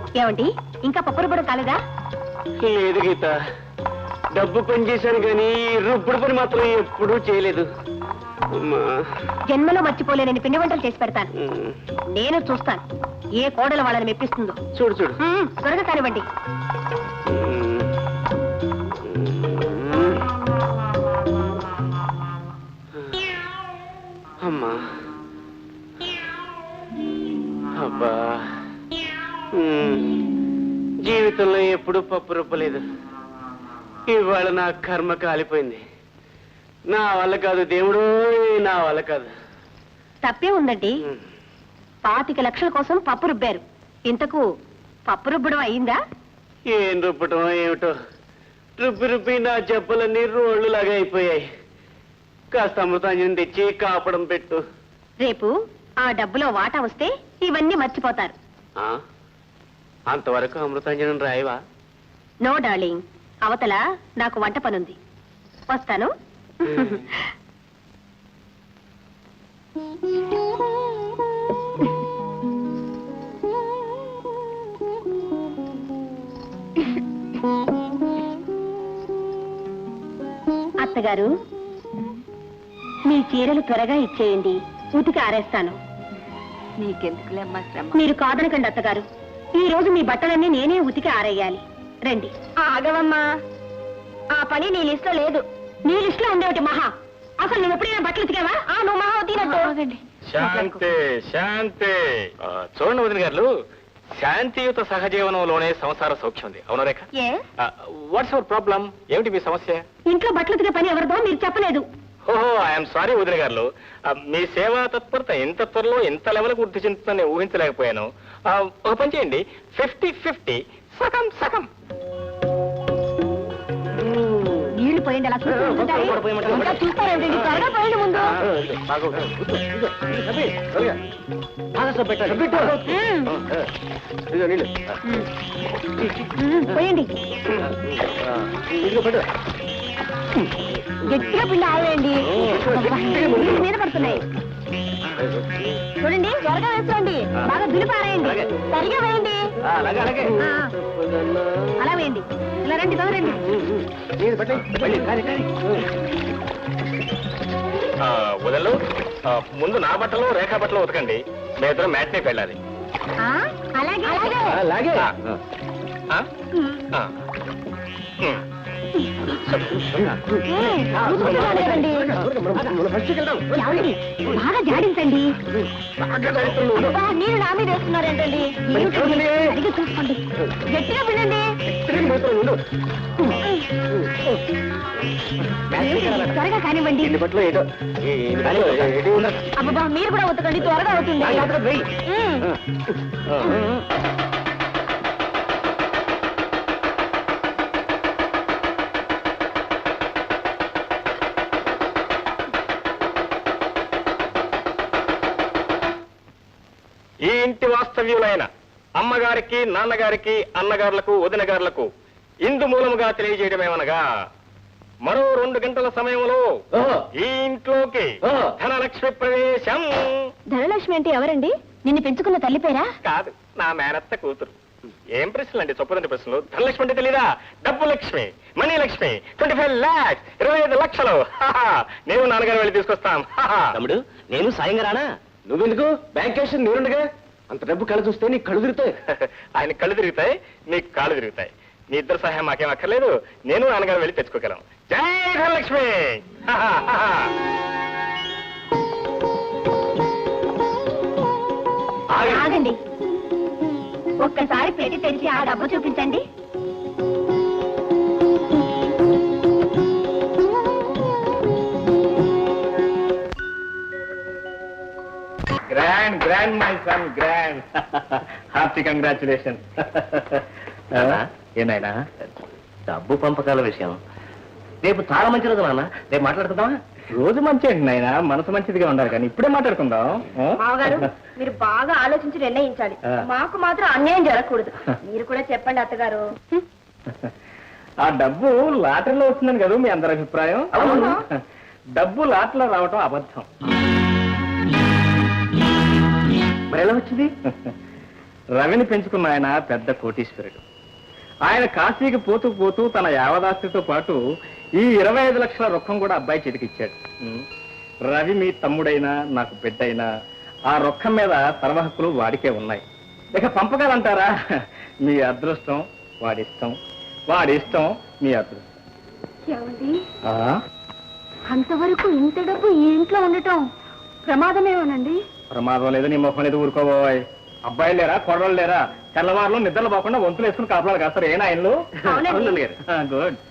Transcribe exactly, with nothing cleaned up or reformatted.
ఏమండి ఇంకా పప్పు రుబ్బడం కాలేదా? లేదు గీత, డబ్బు పని చేశాను కానీ రుబ్బుడు పని మాత్రం ఎప్పుడూ చేయలేదు. జన్మలో మర్చిపోలేనని పిండి వంటలు చేసి పెడతాను. నేను చూస్తాను ఏ కోడలు వాళ్ళని మెప్పిస్తుందో. చూడు చూడు త్వరగా కానివ్వండి. అమ్మా అబ్బా, జీవితంలో ఎప్పుడూ పప్పు రుబ్బలేదు. ఇవాళ నా కర్మ కాలిపోయింది. నా వల్ల కాదు దేవుడు, నా వల్ల కాదు. తప్పే ఉందండి. పాతిక లక్షల కోసం పప్పు రుబ్బారు. ఇంతకు పప్పు రుబ్బడం అయిందా? ఏం రుబ్బటం ఏమిటో, రుబ్బి రుబ్బి నా జబ్బలన్నీ రోళ్లు లాగా అయిపోయాయి. కాస్త అమృతాంజనం తెచ్చి కాపడం పెట్టు. రేపు ఆ డబ్బులో వాటా వస్తే ఇవన్నీ మర్చిపోతారు. అంతవరకు అమృతాంజనం రాయవా? నో డార్లింగ్, అవతల నాకు వంట పనుంది. వస్తాను. అత్తగారు, మీ చీరలు త్వరగా ఇచ్చేయండి, ఉతికి ఆరేస్తాను. నీకెందుకులేమ్మా శ్రమ. మీరు కాదనకండి అత్తగారు, ఈ రోజు మీ బట్టలన్నీ నేనే ఉతికి ఆరేయాలి. రండి. ఆగవమ్మా, ఆ పని నీ లిస్ట్ లో లేదు. నీ లిస్ట్ లో ఉండేటి మహా. అసలు నువ్వు ఎప్పుడైనా బట్టలు ఉతికావా? ఆ నువ్వు మహా ఉతికినట్టు. శాంతి శాంతి. చూడండి వదిన గారు, శాంతియుత సహజీవనంలోనే సంసార సౌఖ్యం ఉంది. అవును రేఖ? What's our problem? ఏమిటి మీ సమస్య? ఇంట్లో బట్టలు ఉతికే పని ఎవరిదో మీరు చెప్పలేదు. ఓహో, ఐఎమ్ సారీ వదిన గారు, మీ సేవా తత్పరత ఇంత త్వరలో ఇంత లెవెల్ వృద్ధి చెందుతుందని ఊహించలేకపోయాను. ఒక పని చేయండి, ఫిఫ్టీ ఫిఫ్టీ, సగం సగం. నీళ్లు పోయండి, అలా చూస్తారేంటి? త్వరగా పోయండి ముందు. పోయండి, గట్టిగా పిండి ఆవేయండి, మీద పడుతున్నాయి. చూడండి, త్వరగా వేసుకోండి, బాగా దులిపారేయండి, సరిగా వేయండి. అలా వేయండి. ఇలా రండి, తొందరండి. వదలు, ముందు నా బట్టలు రేఖా బట్టలు ఉతకండి. మీ ఇద్దరు మ్యాట్నీకి వెళ్ళాలి. అలాగే అలాగే. బాగా జాడించండి. నీళ్ళు నా మీద వేస్తున్నారేంటండి? అడిగి చూసుకోండి, గట్టిగా పిండండి. త్వరగా కానివ్వండి. అబ్బా, మీరు కూడా ఉతకండి, త్వరగా అవుతుంది. ఈ ఇంటి వాస్తవ్యులైన అమ్మగారికి, నాన్నగారికి, అన్నగారులకు, వదినగారులకు ఇందు మూలముగా తెలియజేయడమేమనగా, మరో రెండు గంటల సమయంలో ఈ ఇంట్లోకి ధనలక్ష్మి ప్రవేశం. ధనలక్ష్మి అంటే ఎవరండి? నిన్ను పెంచుకున్న తల్లి పేరా? కాదు, నా మేనత్త కూతురు. ఏం ప్రశ్నలు అండి, చొప్పదండి ప్రశ్నలు. ధనలక్ష్మి అంటే తెలీదా? డబ్బు Lakshmi, money Lakshmi, twenty five lakhs, ఇరవై ఐదు లక్షలు. నేను నాన్నగారు వెళ్ళి తీసుకొస్తాం. తమ్ముడు, నేను సాయంగా రానా? నువ్వెందుకు? బ్యాంక్ క్యాష్ నేనుండగా. అంత డబ్బు కళ్ళు చూస్తే నీకు కళ్ళు తిరుగుతాయి. ఆయన కళ్ళు తిరుగుతాయి, నీకు కాళ్ళు తిరుగుతాయి. మీ ఇద్దరు సహాయం మాకేం అక్కర్లేదు, నేను నాన్నగారు వెళ్ళి తెచ్చుకోగలం. జై ధనలక్ష్మి. ఆగండి, ఒక్కసారి పెట్టి తెరిచి ఆ డబ్బు చూపించండి. Grand grand my son, grand. Hearty congratulation. ఏనాయనా, డబ్బు పంపకాల విషయం రేపు చాలా మంచి రోజు నాన్న. రేపు మాట్లాడుకుందామా? రోజు మంచి అండి నాయన, మనసు మంచిదిగా ఉండాలి, కానీ ఇప్పుడే మాట్లాడుకుందాం. మామగారు, మీరు బాగా ఆలోచించి నిర్ణయించాలి. మాకు మాత్రం అన్యాయం జరగకూడదు. మీరు కూడా చెప్పండి అత్తగారు. ఆ డబ్బు లాటరీలో వస్తుందని కదా మీ అందరి అభిప్రాయం? డబ్బు లాటరీలో రావటం అబద్ధం. మరి ఎలా వచ్చింది? రవిని పెంచుకున్న ఆయన పెద్ద కోటీశ్వరుడు. ఆయన కాశీకి పోతూ పోతూ తన యావదాస్తితో పాటు ఈ ఇరవై ఐదు లక్షల రొక్కం కూడా అబ్బాయి చేతికిచ్చాడు. ఉమ్. రవి మీ తమ్ముడైనా నాకు బిడ్డైనా ఆ రొక్కం మీద సర్వహక్కులు వాడికే ఉన్నాయి. ఇక పంపకాలంటారా? మీ అదృష్టం వాడిష్టం, వాడిష్టం మీ అదృష్టం. ఏమండి ఆ? అంతవరకు ఇంత డబ్బు ఈ ఇంట్లో ఉండటం ప్రమాదమేమోనండి. ప్రమాదం లేదు, నీ ముఖం లేదు, ఊరుకోబోయ్. అబ్బాయిలు లేరా, కొడవలు లేరా? తెల్లవారులో నిద్రలు పోకుండా వంతులు వేసుకుని కాపలాలు కాస్తారు. ఏనా ఆయనలు? అవునండి. గుడ్.